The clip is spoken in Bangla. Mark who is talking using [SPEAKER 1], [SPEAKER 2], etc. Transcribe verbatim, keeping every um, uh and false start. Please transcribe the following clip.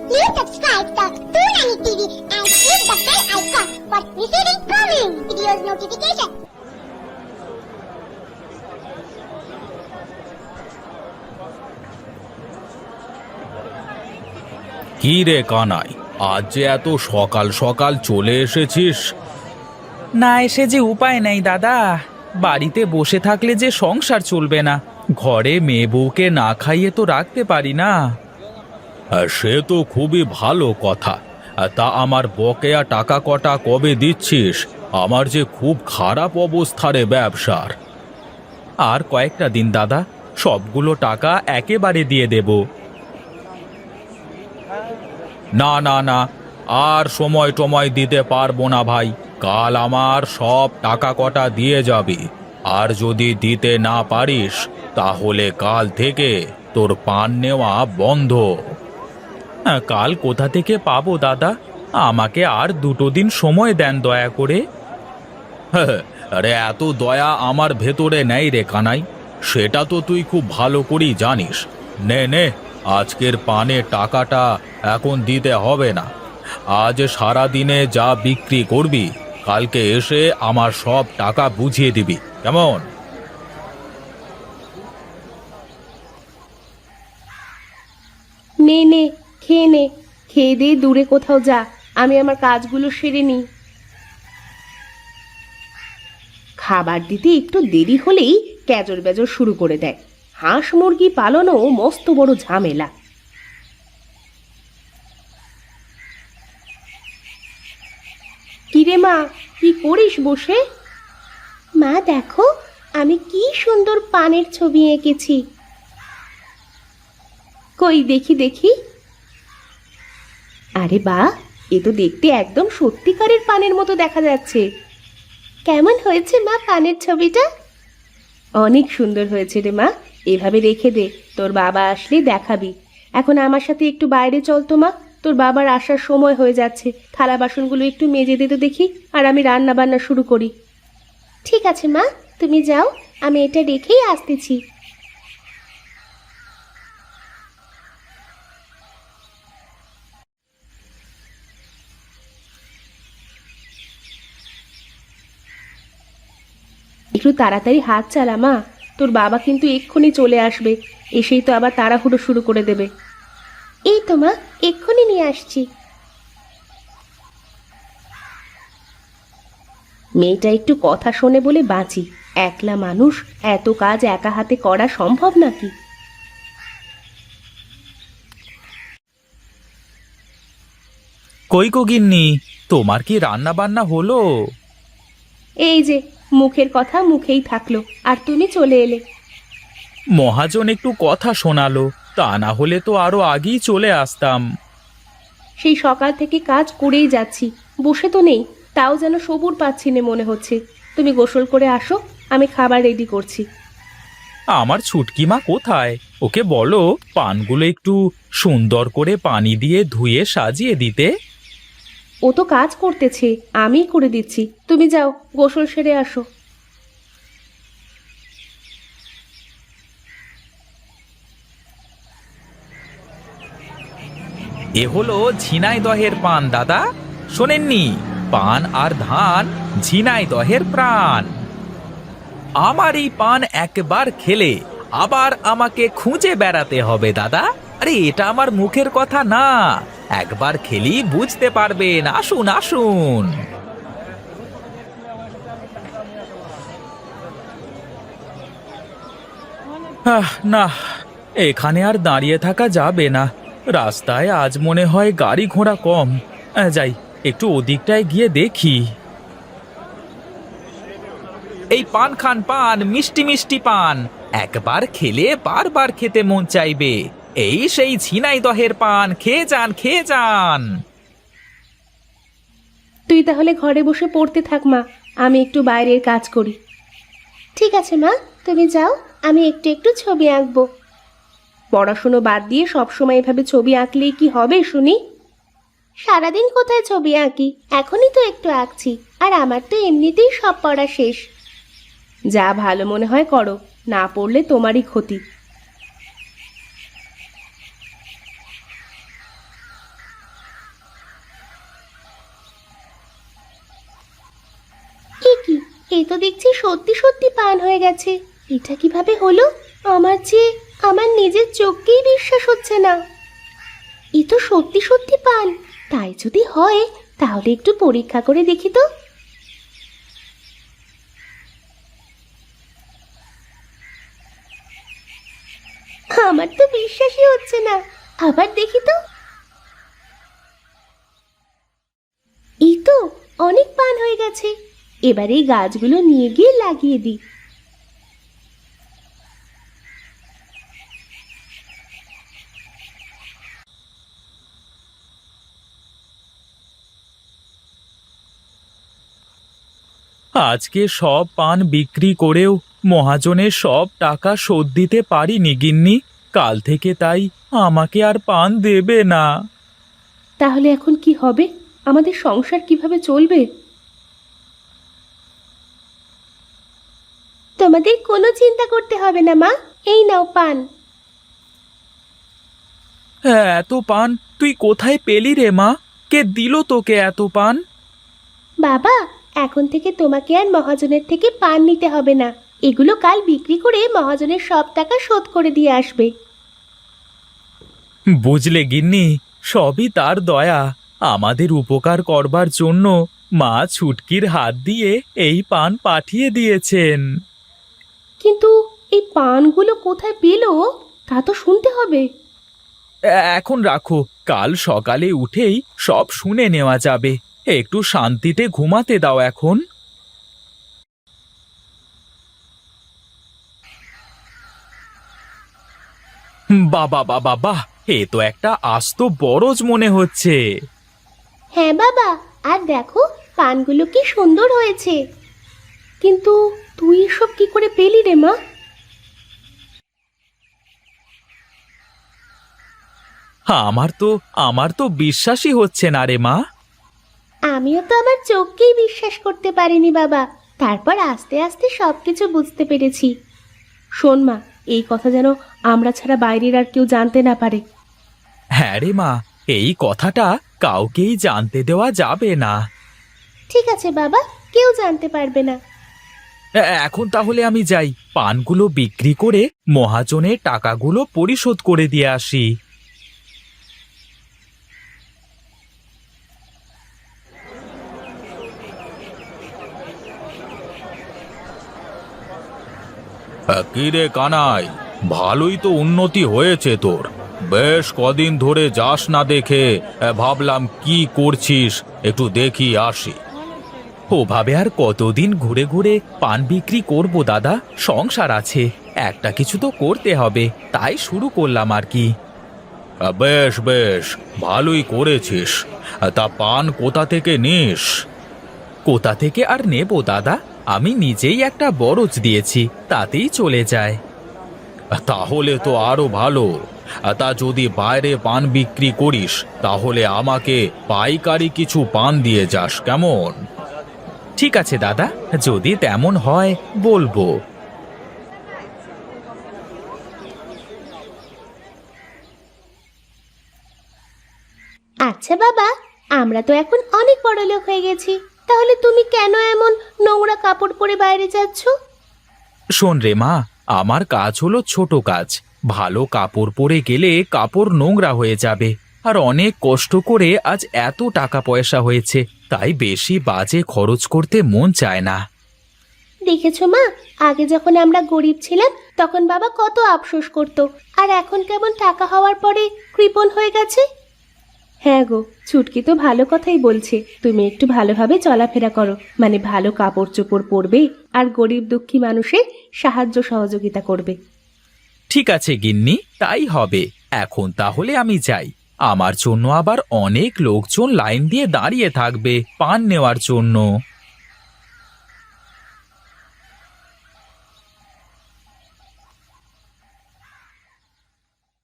[SPEAKER 1] Please subscribe to Toonami T V and click the bell icon for receiving coming videos notification.
[SPEAKER 2] কি রে কানাই, আজ যে এত সকাল সকাল চলে এসেছিস?
[SPEAKER 3] না এসে যে উপায় নেই দাদা, বাড়িতে বসে থাকলে যে সংসার চলবে না। ঘরে মেয়ে বউকে না খাইয়ে তো রাখতে পারি না।
[SPEAKER 2] আর সে তো খুবই ভালো কথা। আর তা আমার বকেয়া টাকা কটা কবে দিচ্ছিস? আমার যে খুব খারাপ অবস্থা রে ব্যবসার।
[SPEAKER 3] আর কয়েকটা দিন দাদা, সবগুলো টাকা একেবারে দিয়ে দেব।
[SPEAKER 2] না না না, আর সময় টময় দিতে পারবো না ভাই। কাল আমার সব টাকা কটা দিয়ে যাবি। আর যদি দিতে না পারিস তাহলে কাল থেকে তোর পান নেওয়া বন্ধ।
[SPEAKER 3] হ্যাঁ, কাল কোথা থেকে পাবো দাদা? আমাকে আর দুটো দিন সময় দেন দয়া করে।
[SPEAKER 2] আরে এত দয়া আমার ভেতরে নেই রে কানাই, সেটা তো তুই খুব ভালো করেই জানিস। নে নে, আজকের পানে টাকাটা এখন দিতে হবে না। আজ সারা দিনে যা বিক্রি করবি কালকে এসে আমার সব টাকা বুঝিয়ে দিবি, কেমন?
[SPEAKER 4] নে নে, খেয়ে নে। খেয়ে দিয়ে দূরে কোথাও যা, আমি আমার কাজগুলো সেরে নিই। খাবার দিতে একটু দেরি হলেই ক্যাজর বেজর শুরু করে দেয়। হাঁস মুরগি পালনও মস্ত বড় ঝামেলা। কিরে মা, কি করিস বসে? মা দেখো, আমি কি সুন্দর পানের ছবি এঁকেছি। কই দেখি দেখি। আরে বাহ, এ তো দেখতে একদম সত্যিকারের পানের মতো দেখা যাচ্ছে। কেমন হয়েছে মা পানের ছবিটা? অনেক সুন্দর হয়েছে রে মা। এভাবে রেখে দে, তোর বাবা আসলে দেখাবি। এখন আমার সাথে একটু বাইরে চল তো মা, তোর বাবার আসার সময় হয়ে যাচ্ছে। থালা বাসনগুলো একটু মেজে দিতে দেখি, আর আমি রান্না বান্না শুরু করি। ঠিক আছে মা, তুমি যাও, আমি এটা রেখেই আসতেছি। একটু তাড়াতাড়ি হাত চালা মা, তোর বাবা কিন্তু এক্ষুনি চলে আসবে। এসেই তো আবার তাড়াহুড়ো শুরু করে দেবে। এই তো মা, এক্ষুনি নিয়ে আসছি। মেয়েটা একটু কথা শোনে বলে বাঁচি। একলা মানুষ, এত কাজ একা হাতে করা সম্ভব নাকি?
[SPEAKER 3] কই গো গিন্নি, তোমার কি রান্না বান্না হলো?
[SPEAKER 4] এই যে, মুখের কথা মুখেই থাকলো, আর তুমি চলে এলে।
[SPEAKER 3] মহাজন একটু কথা শোনালো, তা না হলে তো আরো আগেই চলে আসতাম।
[SPEAKER 4] সেই সকাল থেকে কাজ করেই যাচ্ছি, বসে তো নেই, তাও যেন সবুর পাচ্ছি না মনে হচ্ছে। তুমি গোসল করে আসো, আমি খাবার রেডি করছি।
[SPEAKER 3] আমার ছুটকি মা কোথায়? ওকে বলো পানগুলো একটু সুন্দর করে পানি দিয়ে ধুয়ে সাজিয়ে দিতে।
[SPEAKER 4] ও তো কাজ করতেছে, আমিই করে দিচ্ছি। তুমি যাও, গোসল সেরে আসো।
[SPEAKER 3] এ হলো ঝিনাইদহের পান দাদা, শোনেননি? পান আর ধান ঝিনাইদহের প্রাণ। আমার এই পান একবার খেলে আবার আমাকে খুঁজে বেড়াতে হবে দাদা। আরে এটা আমার মুখের কথা না, একবার খেলেই বুঝতে পারবেন। আসুন আসুন। আহ, না, এখানে আর দাঁড়িয়ে থাকা যাবে না। রাস্তায় আজ মনে হয় গাড়ি ঘোড়া কম। আহ, যাই, একটু ওদিকটায় গিয়ে দেখি। এই পান খান, পান, মিষ্টি মিষ্টি পান। একবার খেলে বারবার খেতে মন চাইবে। এই সেই ঝিনাইদহের পান, খেয়ে যান খেয়ে যান।
[SPEAKER 4] তুই তাহলে ঘরে বসে পড়তে থাক মা, আমি একটু বাইরের কাজ করি। ঠিক আছে মা, তুমি যাও, আমি একটু একটু ছবি আঁকবো। পড়াশুনো বাদ দিয়ে সবসময় এভাবে ছবি আঁকলেই কি হবে শুনি? সারাদিন কোথায় ছবি আঁকি, এখনই তো একটু আঁকছি। আর আমার তো এমনিতেই সব পড়া শেষ। যা ভালো মনে হয় করো, না পড়লে তোমারই ক্ষতি। এই তো দেখছি সত্যি সত্যি পান হয়ে গেছে। এটা কিভাবে হলো? আমার যে আমার নিজের চোখকেই বিশ্বাস হচ্ছে না। এ তো সত্যি সত্যি পান। তাই যদি হয় তাহলে একটু পরীক্ষা করে দেখি তো। আমার তো বিশ্বাসই হচ্ছে না। আবার দেখি তো। এই তো অনেক পান হয়ে গেছে। এবার এই গাছগুলো নিয়ে গিয়ে লাগিয়ে দিই।
[SPEAKER 3] আজকে সব পান বিক্রি করেও মহাজনের সব টাকা শোধ দিতে পারিনি গিন্নি। কাল থেকে তাই আমাকে আর পান দেবে না।
[SPEAKER 4] তাহলে এখন কি হবে? আমাদের সংসার কিভাবে চলবে? তোমাদের কোনো চিন্তা করতে হবে না মা, এই নাও পান।
[SPEAKER 3] হ্যাঁ, এত পান তুই কোথায় পেলি রে মা? কে দিল তোকে এত পান?
[SPEAKER 4] বাবা, এখন থেকে তোমাকে আর মহাজনের থেকে পান নিতে হবে না। এগুলো কাল বিক্রি করে মহাজনের সব টাকা শোধ করে দিয়ে আসবে।
[SPEAKER 3] বুঝলে গিন্নি, সবই তার দয়া। আমাদের উপকার করবার জন্য মা ছুটকির হাত দিয়ে এই পান পাঠিয়ে দিয়েছেন।
[SPEAKER 4] কিন্তু এই পানগুলো কোথায় পেলো তা তো শুনতে হবে।
[SPEAKER 3] এ- এখন রাখো, কাল সকালে উঠেই সব শুনে নেওয়া যাবে। একটু শান্তিতে ঘুমাতে দাও এখন। বাবা বাবা বাহ, এ তো একটা আস্ত বরজ মনে হচ্ছে।
[SPEAKER 4] হ্যাঁ বাবা, আর দেখো পানগুলো কি সুন্দর হয়েছে। কিন্তু তুই এসব কি করে পেলি রে মা?
[SPEAKER 3] আমার তো আমার তো বিশ্বাসই হচ্ছে না রে মা।
[SPEAKER 4] আমিও তো আমার চোখকেই বিশ্বাস করতে পারিনি বাবা। তারপর আস্তে আস্তে সবকিছু বুঝতে পেরেছি। শোন মা, এই কথা যেন আমরা ছাড়া বাইরের আর কেউ জানতে না পারে।
[SPEAKER 3] হ্যাঁ রে মা, এই কথাটা কাউকেই জানতে দেওয়া যাবে না।
[SPEAKER 4] ঠিক আছে বাবা, কেউ জানতে পারবে না।
[SPEAKER 3] এ- এখন তাহলে আমি যাই, পানগুলো বিক্রি করে মহাজনের টাকাগুলো পরিশোধ করে দিয়ে আসি।
[SPEAKER 2] কি রে কানাই, ভালোই তো উন্নতি হয়েছে তোর। বেশ কদিন ধরে যাস না দেখে আহ, ভাবলাম কি করছিস একটু দেখি আসি।
[SPEAKER 3] ওভাবে আর কতদিন ঘুরে ঘুরে পান বিক্রি করব দাদা? সংসার আছে, একটা কিছু তো করতে হবে, তাই শুরু করলাম আর কি।
[SPEAKER 2] আহ, বেশ বেশ, ভালোই করেছিস। আহ, তা পান কোথা থেকে নিস?
[SPEAKER 3] কোথা থেকে আর নেব দাদা? আমি নিজেই একটা বরজ দিয়েছি, তাতেই চলে যায়।
[SPEAKER 2] আহ, তাহলে তো আরো ভালো। আহ, তা যদি বাইরে পান বিক্রি করিস তাহলে আমাকে পাইকারি কিছু পান দিয়ে যাস, কেমন?
[SPEAKER 3] ঠিক আছে দাদা, যদি তেমন হয় বলবো।
[SPEAKER 4] আচ্ছা বাবা, আমরা তো এখন অনেক বড় লোক হয়ে গেছি, তাহলে তুমি কেন এমন নোংরা কাপড় পরে বাইরে যাচ্ছ?
[SPEAKER 3] শোন রে মা, আমার কাজ হলো ছোট কাজ। ভালো কাপড় পরে গেলে কাপড় নোংরা হয়ে যাবে। আর অনেক কষ্ট করে আজ এত টাকা পয়সা হয়েছে, তাই বেশি বাজে খরচ করতে মন চায় না।
[SPEAKER 4] দেখেছো মা, আগে যখন আমরা গরিব ছিলাম তখন বাবা কত আফসোস করতো, আর এখন কেমন টাকা হওয়ার পরে কৃপণ হয়ে গেছে। হ্যাঁ গো, ছুটকি তো ভালো কথাই বলছে। তুমি একটু ভালোভাবে চলাফেরা করো, মানে ভালো কাপড় চোপড় পরবে আর গরিব দুঃখী মানুষের সাহায্য সহযোগিতা করবে।
[SPEAKER 3] ঠিক আছে গিন্নি, তাই হবে। এখন তাহলে আমি যাই। আমার জন্য আবার অনেক লোকজন লাইন দিয়ে দাঁড়িয়ে থাকবে পান নেওয়ার জন্য।